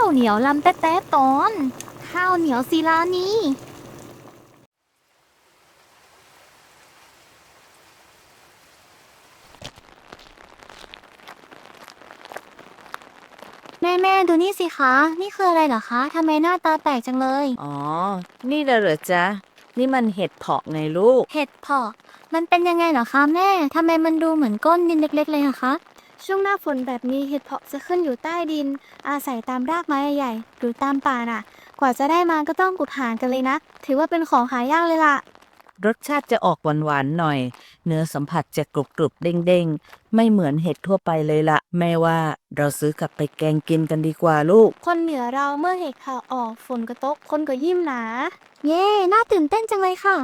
าวเหนียวลำแต๊ะตอนข้าวเหนียวศิลานีแม่ดูนี่สิคะนี่คืออะไรเหรอคะทำไมหน้าตาแปลกจังเลยอ๋อ นี่เหรอจ๊ะ นี่มันเห็ดเผาะไงลูกเห็ดเผาะมันเป็นยังไงเหรอคะแม่ทำไมมันดูเหมือนก้นดินเล็กๆเลยอะคะช่วงหน้าฝนแบบนี้เห็ดเผาะจะขึ้นอยู่ใต้ดินอาศัยตามรากไม้ใหญ่ๆหรือตามป่าน่ะกว่าจะได้มาก็ต้องกุดหากันเลยนะถือว่าเป็นของหายากเลยล่ะรสชาติจะออกหวานๆหน่อย เนื้อสัมผัสจะกรุบๆเด้งๆ ไม่เหมือนเห็ดทั่วไปเลยละแม่ว่าเราซื้อกลับไปแกงกินกันดีกว่าลูกคนเหนือเราเมื่อเห็ดข่าวออกฝนกระตกคนก็ยิ้มหนา เย่น่าตื่นเต้นจังเลยค่ะ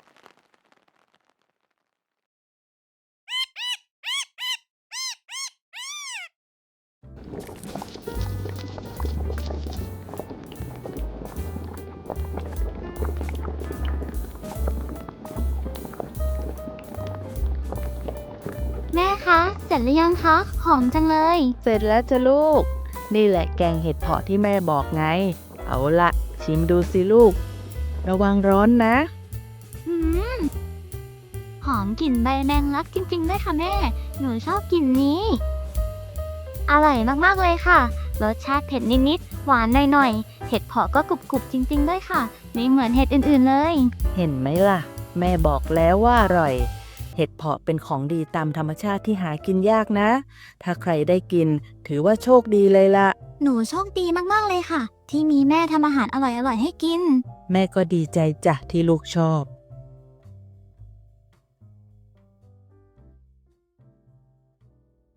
แม่คะเสร็จหรือยังคะหอมจังเลยเสร็จแล้วจ้ะลูก นี่แหละแกงเห็ดเผาะที่แม่บอกไง เอาละชิมดูสิลูก ระวังร้อนนะอืมหอมกลิ่นใบแมงลักจริงๆด้วยค่ะแม่ หนูชอบกลิ่นนี้ อร่อยมากๆเลยค่ะ รสชาติเผ็ดนิดๆ หวานหน่อยๆ เห็ดเผาะก็กรุบๆจริงๆด้วยค่ะ ไม่เหมือนเห็ดอื่นๆเลยเห็นไหมล่ะ แม่บอกแล้วว่าอร่อย เห็ดเผาะเป็นของดีตามธรรมชาติที่หากินยากนะ ถ้าใครได้กิน ถือว่าโชคดีเลยล่ะหนูโชคดีมากๆเลยค่ะ ที่มีแม่ทำอาหารอร่อยๆให้กินแม่ก็ดีใจจ้ะที่ลูกชอบ